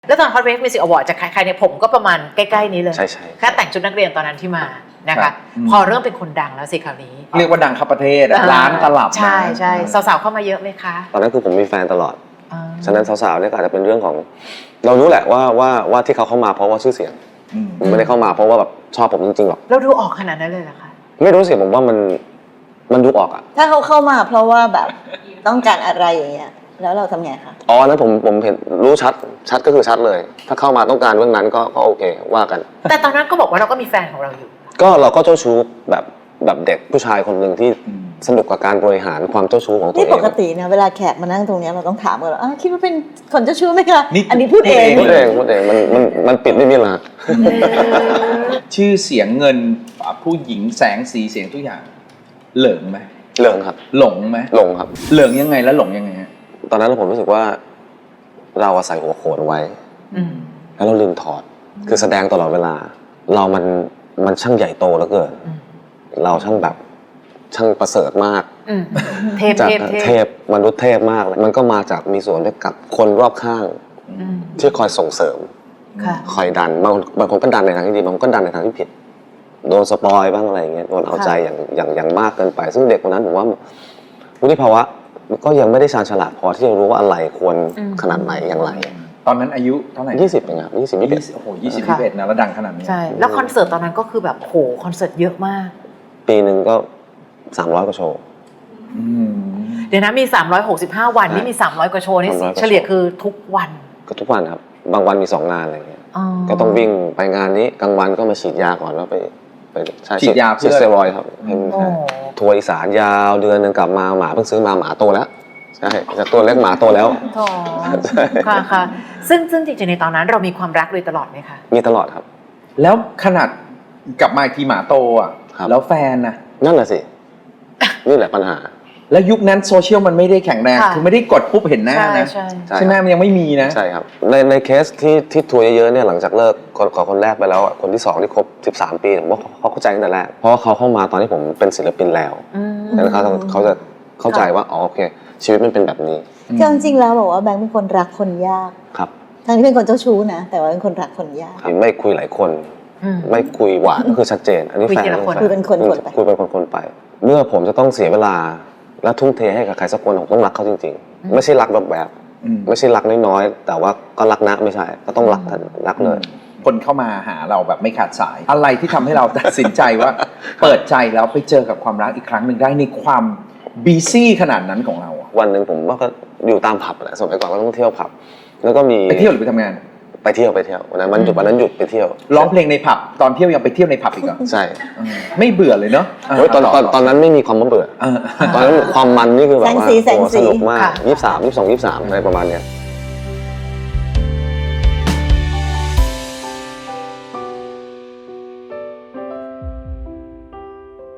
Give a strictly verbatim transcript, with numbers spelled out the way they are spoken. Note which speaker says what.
Speaker 1: แล้วตอน Hot Wave Music Award จะใครๆเนี่ยผมก็ประมาณใกล้ๆนี้เลย
Speaker 2: ใช่ใช่
Speaker 1: แค่แต่งชุดนักเรียนตอนนั้นที่มานะคะพอเริ่มเป็นคนดังแล้วสิคราวนี้
Speaker 3: เรียกว่าดังข้าประเทศร้านตลับ
Speaker 1: ใช่ใช่สาวๆเข้ามาเยอะไหมคะ
Speaker 2: ตอนนั้นคือผมมีแฟนตลอดฉะนั้นสาวๆเนี่ยก็อาจจะเป็นเรื่องของเรารู้แหละว่าว่าว่าที่เขาเข้ามาเพราะว่าชื่อเสียงไม่ได้เข้ามาเพราะว่าแบบชอบผมจริงๆหรอก
Speaker 1: เราดูออกขนาดนั้นเลยเหรอคะ
Speaker 2: ไม่รู้สิผมว่ามันมันดูออกอะ
Speaker 4: ถ้าเขาเข้ามาเพราะว่าแบบต้องการอะไรอย่างเงี้ยแล้วเราทำไงคะ
Speaker 2: อ๋อนั้นผมผมเห็นรู้ชัดชัดก็คือชัดเลยถ้าเข้ามาต้องการเรื่องนั้นก็ก็โอเคว่ากัน
Speaker 1: แต่ตอนนั้นก็บอกว่าเราก็มีแฟนของเราอยู่
Speaker 2: ก็เราก็เจ้าชู้แบบแบบเด็กผู้ชายคนหนึ่งที่สนุกกับการบริหารความเจ้าชู้ของตัวเอง
Speaker 4: นี่ปกตินะเวลาแขกมานั่งตรงนี้เราต้องถามกันว่าคิดว่าเป็นคนเจ้าชู้ไหมคะอันนี้พูดเอง
Speaker 2: พูดเองพูดเองมันมันมันปิดไม่มีหลัก
Speaker 3: ชื่อเสียงเงินผู้หญิงแสงสีเสียงทุกอย่างเหลิงไหม
Speaker 2: เหลิงครับ
Speaker 3: หลงไหม
Speaker 2: หลงครับ
Speaker 3: เหลิงยังไงแล้วหลงยังไงฮะ
Speaker 2: ตอนนั้นผมรู้สึกว่าเราใส่หัวโขนไว้แล้วเราลืมถอดคือแสดงตลอดเวลาเรามันมันช่างใหญ่โตเหลือเกินเราช่างแบบช่างประเสริฐมาก
Speaker 1: เทพเทพ
Speaker 2: เทพมนุษย์เทพมากมันก็มาจากมีส่วนด้วยกับคนรอบข้างที่คอยส่งเสริมคอยดันบางบางคนก็ดันในทางที่ดีบางคนก็ดันในทางที่ผิดโดนสปอยบ้างอะไรอย่างเงี้ยโดนเอาใจอย่างอย่างอย่างมากเกินไปซึ่งเด็กคนนั้นผมว่าวุฒิภาวะก็ยังไม่ได้ชาญฉลาดพอที่จะรู้ว่าอะไรควรขนาดไหนอย่างไร
Speaker 3: ตอนนั้นอายุเท่าไหร่
Speaker 2: ยี่สิบเองครับยี่สิบยี่สิบเอ็ด
Speaker 3: โอ้โหยี่สิบยี่สิบเอ็ดนะแล้วดังขนาดนี้
Speaker 1: ใช่แล้วคอนเสิร์ตตอนนั้นก็คือแบบโหคอนเสิร์ตเยอะมาก
Speaker 2: ปีหนึ่งก็สามร้อยกว่าโชว์
Speaker 1: เดี๋ยวนะมีสามร้อยหกสิบห้าวันนี่มีสามร้อยกว่าโชว์นี่เฉลี่ยคือทุกวัน
Speaker 2: ก็ทุกวันครับบางวันมีสองงานอะไรเงี้ยก็ต้องวิ่งไปงานนี้กลางวันก็มาฉีดยาก่อนแล้วไปไป
Speaker 3: ฉีดยาเพื่อ
Speaker 2: สเตียรอยด์ครับทัวร์อีสานยาวเดือนนึงกลับมาหมาเพิ่งซื้อมาหมาโตแล้วใช่จากตัวเล็กหมาโตแล้ว
Speaker 1: ค่ะค่ะซึ่งซึ่งจริงๆในตอนนั้นเรามีความรักโดยตลอดไหมคะ
Speaker 2: มีตลอดครับ
Speaker 3: แล้วขนาดกลับมาอีกทีหมาโตอ่ะแล้วแฟนนะ
Speaker 2: นั่นแหละสินี่แหละปัญหา
Speaker 3: แล้วยุคนั้นโซเชียลมันไม่ได้แข็งแรงคือไม่ได้กดปุ๊บเห็นหน้านะใช่ไหมมันยังไม่มีนะ
Speaker 2: ใช่ครับในในเคสที่ที่ทัวร์เยอะๆเนี่ยหลังจากเลิกขอคนแรกไปแล้วคนที่สองที่ครบสิบสามปีผมว่าเขาเข้าใจตั้งแต่แรกเพราะว่าเขาเข้ามาตอนที่ผมเป็นศิลปินแล้วแล้วเขาเขาจะเข้าใจว่าอ๋อโอเคชีวิตมันเป็นแบบนี้
Speaker 4: จริงๆแล้วบอกว่าแบงค์เป็นคนรักคนยาก
Speaker 2: ครับ
Speaker 4: ทั้งที่เป็นคนเจ้าชู้นะแต่ว่าเป็นคนรักคนยาก
Speaker 2: ไม่คุยหลายคนไม่คุยหวานก็คือชัดเจนอันนี้แฟน
Speaker 4: คุยเป็นคนคนไป
Speaker 2: คุยเป็นคนคนไปเมื่อผมจะต้องเสียเวลาและทุ่มเทให้กับใครสักคนผมต้องรักเขาจริงๆไม่ใช่รักแบบแบบไม่ใช่รักน้อยๆแต่ว่าก็รักนะไม่ใช่ก็ต้องรักรักเลย
Speaker 3: คนเข้ามาหาเราแบบไม่ขาดสายอะไรที่ทำให้เราตัดสินใจว่าเปิดใจแล้วไปเจอกับความรักอีกครั้งหนึ่งได้ในความบีซี่ขนาดนั้นของเรา
Speaker 2: วันหนึ่งผมก็อยู่ตามผับแหละสมัยก่อนก็ต้องเที่ยวผับแล้วก็มี
Speaker 3: ไปเที่ยวหรือไปทำงาน
Speaker 2: ไปเที่ยวไปเที่ยววันนั้นมันหยุดวันนั้นหยุดไปเที่ยว
Speaker 3: ร้องเพลงในผับตอนเที่ยวยังไปเที่ยวในผับอีกเหรอ
Speaker 2: ใช่
Speaker 3: ไม่เบื่อเลยเนาะ
Speaker 2: ตอนตอนตอนนั้นไม่มีความเบื่อตอนนั้นความมันนี่คือแบบว่าสนุกมากยี่สิบสามยี่สิบสองยี่สิบสามอะไรประมาณเนี้ย